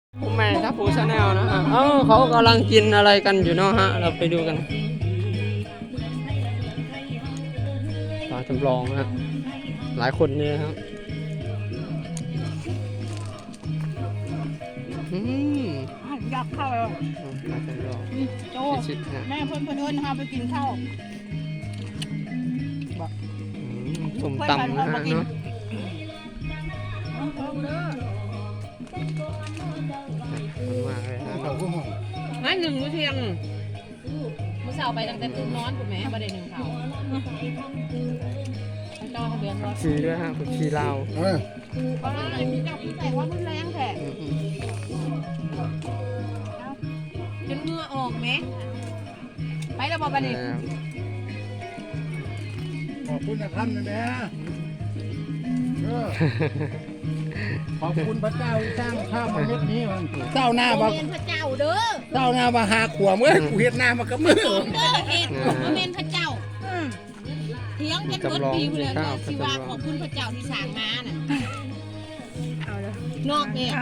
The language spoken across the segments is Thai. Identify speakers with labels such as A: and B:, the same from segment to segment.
A: ผมแม่ทัพพูชาแนลนะฮะเขากำลังกินอะไรกันอยู่เนาะฮะเราไปดูกันปลาจำลองนะหลายคนเนี่ยครับ
B: อยากเข้าเลย
A: ปลาจำลอง
B: โจ
A: ชิดๆนะ
B: แม่เพิ่นเอิ้นนะคะไปกินข้าว
A: ส้มตำนะฮะเนาะมากเลยฮะ
B: งั้นหนึ่งมื้อเที่ยง
C: มื้อเช้าไปตั้งแต่ตื่นนอนถูกไหมบ่ได้หนึ่งเขาเจ้าทะเบียนรถ
A: ชีด้วยฮะผักชีลาว
B: เพราะอะไรมีเจ้าพี่ใส่ว่ามันแรงแท้จนเหงื่อออกไหมไปแล้วบ่บัดนี้
D: ขอบคุณนะครับนะแม่ขอบคุณพระเจ้าที่สร้างข้าวมาเม็ดนี้มันเจ้าหน้ามา
B: เมนพระเจ้าเด้อ
D: เจ้าหน้ามาหาขวเมื่อกูเฮ็ดหน้ามากับมือ
B: เด้อเฮ็ดเมนพระเจ้าเถียงกันเบิดปีเลยเนาะที่ว่าขอบคุณพระเจ้าที่สร้างมาน่ะนอกเนี่ย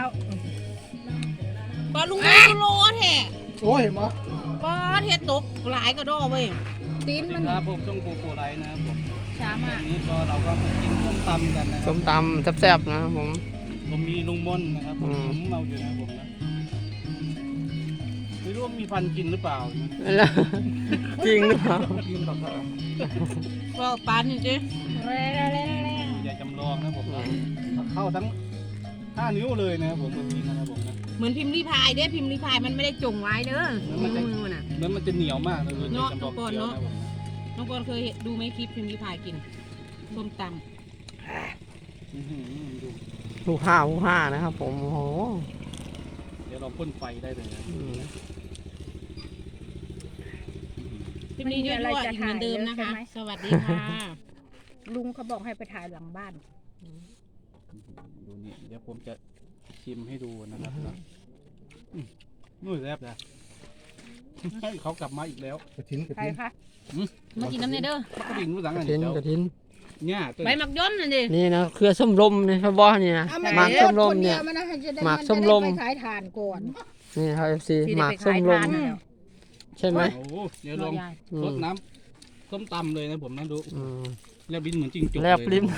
B: บ่ลุงดูโลแท้
D: โอ้ยมา
B: บ่เฮ็ดตกหลายก็ดอเว้ยตีนมัน
E: ครับผมช่องปูไรนะครับผม
B: ช้ามาก
E: วันนี้ก็เราก็มากินส้มตำกันนะค
A: ส้
E: รับ
A: มตำแซ่บๆนะครับผม
E: ผมมีลุงมนนะครับผมเราอยู่นะครับผมนะไม่รู้ว่ามีฟันกินหรือเปล่า
A: แล้วจริงหรือเปล่า
E: กินแบบ
B: บ่ปานนี่จิ
E: อย่าจำลองนะผมนะเข้าทั้ง5 นิ้วเลยนะครับผมกินนะครับผมนะ
B: เหมือนพิมพ์รีพายเด้พิมพ์รีพายมันไม่ได้จงไว้เด้อมือน่ะ
E: แล้วมันจะเหนียวมากเลย
B: เนาะ
E: จำลองเคี้ยวนะผมนะ
B: น้องบอลเคยดูไหมคลิปพิมพ์รีพายกินส้มต
E: อื้อหือดู
A: หูห้านะครับผมโอ้โห
E: เดี๋ยวเราพ่นไฟได้เลยนะ
A: อืม
B: ำคลิปนี้ยั่วๆอีกเหมือนเดิมนะคะ สวัสดีค่ะ
C: ลุงเขาบอกให้ไปถ่ายหลังบ้าน
E: ดูนี่เดี๋ยวผมจะชิมให้ดูนะครับนะนู่นแซ่บนะเขากลับมาอีกแล้ว
D: กระถิ่นกระ
C: ใคร
D: ถิ่น
C: คะ
B: มากินน้ำเนเด้อก
E: ระดิ่งรู้สัง
A: ก
E: กั
A: ระ
E: น
A: ถิน
E: เดี๋ยว
A: กระถิน
E: เนี่ยตัว
B: ใบหมักย่นน่ะดิ
A: นี่นะเครือส้มลมเนี่ยครับบอสนี่นะหมากส้มลมเนี่ย หมากส้มลม
C: ไปขายถ่านก่อน
A: นี่ครับ FC
C: ที่
A: ห
C: ได้
A: มาก
C: ไป
A: ส้
C: ขาม ย
A: ล
C: ถ่าม นน่ะ
A: ใช่ไหม
E: โอ้โหเดี๋ยวลอง
A: อื
E: ร
A: ม
E: ดน้ำส้มตำเลยนะผมนะดู
A: อืม
E: แลบลิ้นเหมือนจริงจก
A: แลบลิ้น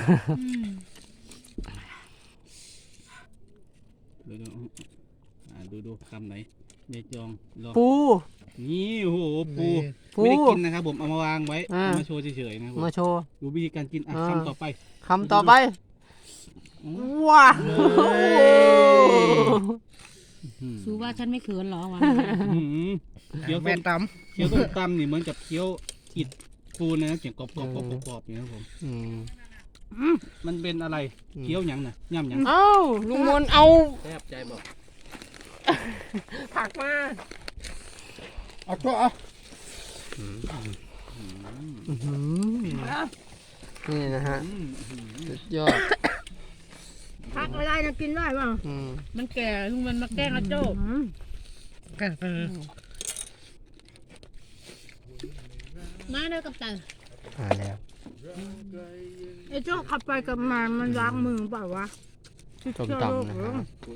E: ดูคำไหนเนยจองลอง
A: ปู
E: นี่โอ้โหปู
A: ปู
E: ไม่ได้กินนะครับผมเอามาวางไว้
A: อ่า
E: เอามาโชว์เฉยๆนะครับผม
A: มาโชว์
E: ดูวิธีการกินอ่ะ
A: อ่า
E: คำต่อไป
A: คำต่อไป
E: อืม
A: ว้าว
E: อืม
B: ซูว่าฉันไม่เขินหรอวะ
E: อืมเคี้ยว
D: แม่
E: ส้ม
D: ต
E: เคี้ยวส้มตำนี่เหมือนกับเคี้ยวอิดปูนะเสียงกรอบๆอย่างนี้ครับผม
A: อืม
E: มันเป็นอะไรเคี้ยวหยังน่ะย่ำหยัง
A: เอ้าลุงมนต์เอา
E: แทบใจบอก
A: ผักมา
D: ำเอาตัวเอา
A: อื้อหือนี่นะฮะ
E: อืม
A: สุดยอด
C: พักไม่ได้นะกินได้ป่ะ
A: อืม
B: มันแก่ลุงมันมาแกล้งอาโจ้มาเด้อกับตัน
A: มาแล้ว
C: ไอ้โจ้ขับไปกับมันล้างมือเปล่าวะ
A: ส้มตำนะครับ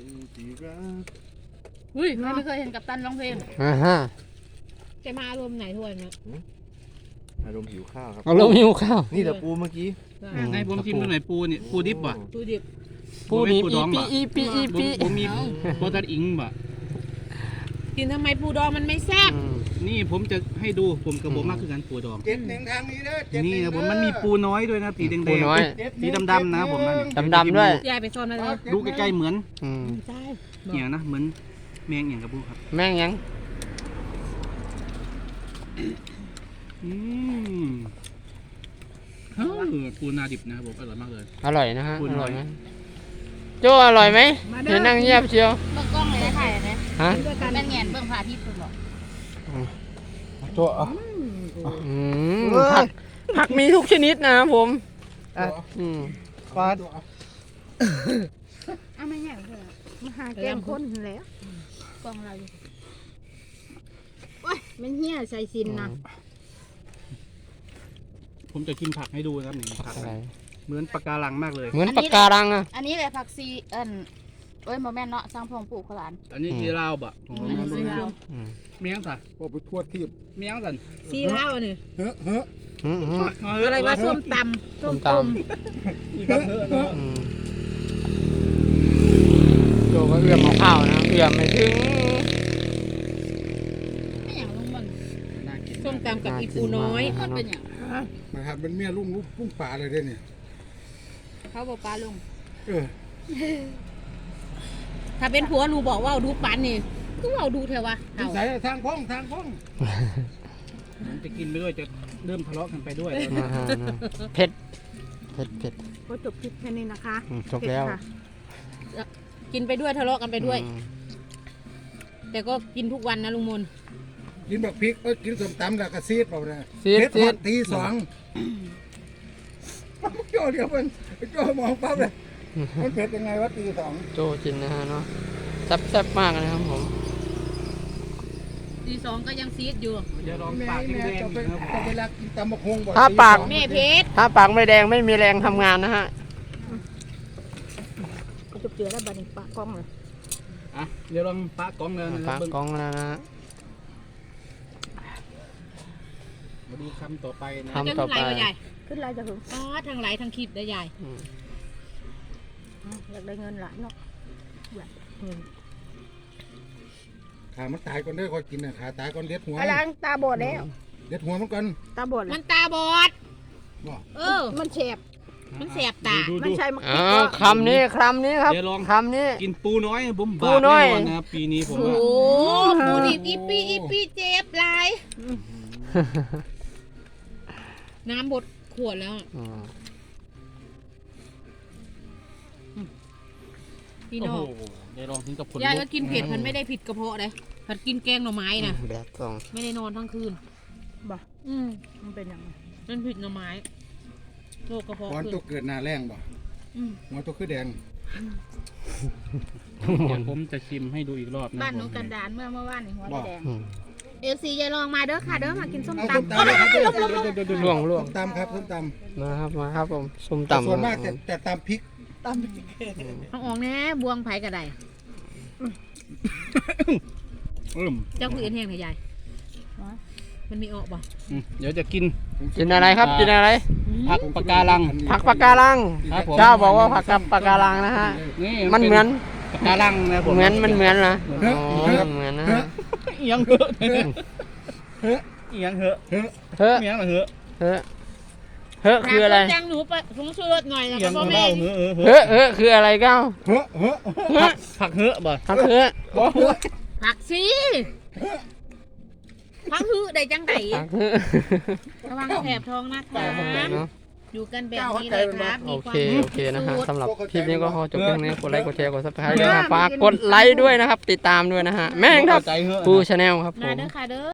B: อุ้ยใครไม่เคยเห็นกับตันร้องเพลง
A: อ่าฮะ
B: แกมาอารมณ์ไหนทวนเนี่ย
D: อารมณ์หิวข้าวครับ
A: เอาลงหิวข้าว
D: นี่แต่ปูเมื่อกี้
E: ให้ผมชิมดูหน่อยปูนี่ปูดิบป่ะ
B: ดูดิบ
A: ปูนี่
E: ปูดอง
A: อีปี
E: บ่
A: อีปี
E: ผมมีโปรตัดอิงป่ะ
B: กินทำไมปูดองมันไม่แซ่บ
A: อืม
E: นี่ผมจะให้ดูผมกับผมมากคือกันปูดอง
D: 71ทางนี้เด้อ
E: นี่นะผมมันมีปูน้อยด้วยนะสีแดง
A: ปูน้อย
E: ๆสีดำๆนะครับผมนั่น
A: ดำๆด้วย
B: ยายไปซ่อนมาเลย
E: ดูใกล้ๆเหมือน
A: อืม
B: ใช่
E: เหี่ยนะเหมือนแมงเหี่ยงกับปูครับ
A: แม่งยัง
E: อืมเฮ้ยปูนาดิบนะครับผมอร่อยมากเลย
A: อร่อยนะฮะ
E: ปู
A: อ
E: น้
A: ร่
E: อ
A: อย ยไหมโจ้อร่อยไหมเดี๋ยวนั่งเงียบเชียว
C: เบิ่งกล้องเลยได้ถ่ายนะ
A: ฮะ
C: เป็นแงนเบิ่งพระอาทิตย์คุณบอก
D: เอาตัวเอา
A: อืมผักมีทุกชนิดนะครับผมอืม
D: ปลา
C: อ้าวไม่แง่เลยมาหาแกงคนแล้วกล้องเราอยู่โอ้ยมันเหี้ยใส่ซินนะ
E: ผมจะกินผักให้ดูนะครับนี่ผัก
A: อะไร
E: เหมือนปะการังมากเลย
A: เหมือนปากการังอ่ะ
C: อันนี้แหละผักซี
B: เอ้ยโมแม่นเนาะสร้างพองปลูกขลาน
E: อันนี้กีราวบ่
A: อืม
E: เมียงสัน
D: พอไปทั่วที่
E: เมียงสัน
C: ซีเล่านี่
D: เฮ้อเฮ้อ
A: อืมอืม
C: อะไรว่าส้มตำ
A: ส้มตำ
E: อีกครับเฮ้อเนาะ
A: อืมโจก็เอื้อมเอาข้าวนะเอื้อมไม่ถึง
B: ไม่อย่างลุงมัน
E: น่ากิน
C: ส้มตำกับอีปูน้อย
B: มันเป็นอย่าง
D: มาครับเป็นเมียลุงป่าเลยเด้เนี่ย
B: เขาบอกปลาลุง
D: เออ
B: ถ้าเป็นผัวหนูบอกว่าดูปันนี่คือว่าดูเถอะวะ
D: นิสัยทางพ้องทางพ้อง
E: มันจะกินไปด้วยจะเริ่มทะเลาะกันไปด้วยแล้ว
A: อ่าฮะเผ็ดเผ็ดเผ็ด
C: ก็จบคลิปแค่นี้นะคะ
A: อืมจบแล้ว
B: กินไปด้วยทะเลาะกันไปด้วย
A: อืม
B: แต่ก็กินทุกวันนะลุงมน
D: กินบักพริกกินส้มตำแล้วก็ซีดเปล่าเนี่ย
A: ซีด
D: เฮ็ด
A: ซี
D: ฮอ
A: ด
D: ดตีสองโจ้เดียวมันโจ้มองปั๊บเลยมันเผ็ดยังไงวะตีสอง
A: โจจินนะฮะเนาะแซ่บๆมากนะครับผม
B: ตีสองก็ยังซีดอยู่
E: อย่าลอง
D: แม่
E: ปาก
D: แม่
E: แดง
D: จะ
E: ๆ
D: ไป
E: นะครับ
D: จะไปรักกินตำบักฮงบ่
A: ถ้าปาก
D: ตีสอง
B: แม่เพชร
A: ถ้าปากไม่แดงไม่มีแรงทำงานนะฮะ
C: ก็จบเจือแล้วบัดนี้ปะกล้องเลย
E: อ่ะเดี๋ยวลองปากกล้องแล้วนะค
A: ปา
E: รับ
A: ก
E: เบิ่ง
A: กล้องแล้วนะฮะ
E: มาดูคำต่อไปนะ
A: คำ
B: จะขึ้นไรวะยาย
C: ขึ้นไรจะถึง
B: อ๋อทางไหลทางคลิปได้ยาย
A: อืม
C: อยากได้เงินหลายเนาะแบบอืม
D: ขามันตายก่อนเด้อคอยกินน่ะขาตายก่อนเด็ดหัว
C: อะไรตาบอดแล้ว
D: เด็ดหัวมันก่อน
C: ตาบอด
B: มั
C: แล้ว
B: นตาบอด
D: บ่
B: เออ
C: มันแฉบ
B: มันแสบตา
E: ดู
C: มันใช่มัก
A: อ้าวคำนี้ครับ
E: เดี๋ยวลอง
A: คำนี้
E: กินปูน้อยบุ้ม
A: ปู
E: บาป
A: น้
E: แน่
A: อย
E: นอนนะครับปีนี้ผม
B: โอ้
E: ว่า
B: โหปูดิบอีปีเจ็บหลายน้ำบดขวดแล้ว
A: อืม
B: พี่
E: โอ้
B: น้อง
E: โหเดี๋ยวลองถึงกับคน
B: ยาย
E: ลุ
B: ก็
E: ก
B: กินเผ็ดมันไม่ได้ผิดกระเพาะเลยผัดกินแกงหน่อไม้นะ
A: แบบสอง
B: ไม่ได้นอนทั้งคืน
C: บ่ มันเป็นยังไง
B: มันผิดหน่อไม้โรคกระเพาะ
D: ก่อน
B: ขึ้น
D: ตัวเกิดหน้าแรงบ่
B: อืม
D: หัวตัวคือแดง
E: เดี๋ยวผมจะชิมให้ดูอีกรอบนะ
C: บ้านหนู
E: ผม
C: กันดานเมื่อวานนี่หัวแดง
A: อืม
C: เอฟซียายลองมาเด้อค่ะเด้อมากินส้ม
D: เอา
C: ตำ
D: ส้มตำเลยครับ
A: ล่วง
D: ส้มตำครับส้มต
A: มาครับผมส้ม
D: ำ
A: ตำ
D: ส่วนมากแต่ตำพริก
B: เอาออกแน่บวงไผ่กระได เจ้าคือเอ็นแห้งเหรอยายมันมีออกบ่
E: เดี๋ยวจะกิน
A: กินอะไรครับกินอะไร
E: ผักปะการัง
A: ผักปะการัง
E: ครับผม
A: เจ้าบอกว่าผักกับปะการังนะฮะ
E: นี่
A: มันเหมือน
E: ปะการังนะผม
A: เหมือนมันเหมือนนะอ๋อเหมือนนะฮะ
E: เอียงเหอะเอียงเหอะ
A: เฮ้อ
E: เอียงเหอะ
A: เฮ้อเฮ้อคืออะไร
B: จังหนูไปผงชูรสหน่อยแล้ว
E: เอีย
B: ก็
E: ง
B: พ่อ
E: เห
B: แม่
E: อะเหอะเหอะ
A: เฮ้อคืออะไรเก้า
D: เฮ้อเฮ้อ
A: เฮ้อ
E: ผักเหอะบ่
A: ผักเฮ้อ
B: ผักสิพังหื้อได้จังได
A: ผักเฮ้อ
B: ระวังแผลบท้องนะคะ
A: เนาะ
B: อยู่กันแบบนี้เลยครับ
A: โอ
B: มีควา
A: เค
B: ม
A: โอเคนะฮะสำหรับคลิปนี้ก็ขอจบเพียงนี้กดไลค์กดแชร์กดซับสไครต์ด้วยนะฝากกดไลค์ด้วยนะครับ ติดตามด้วยนะฮะแม่งครับ
E: ใจเหอะ
A: ปูชาแนลครับผ
B: มาม เด้อค่ะเด้อ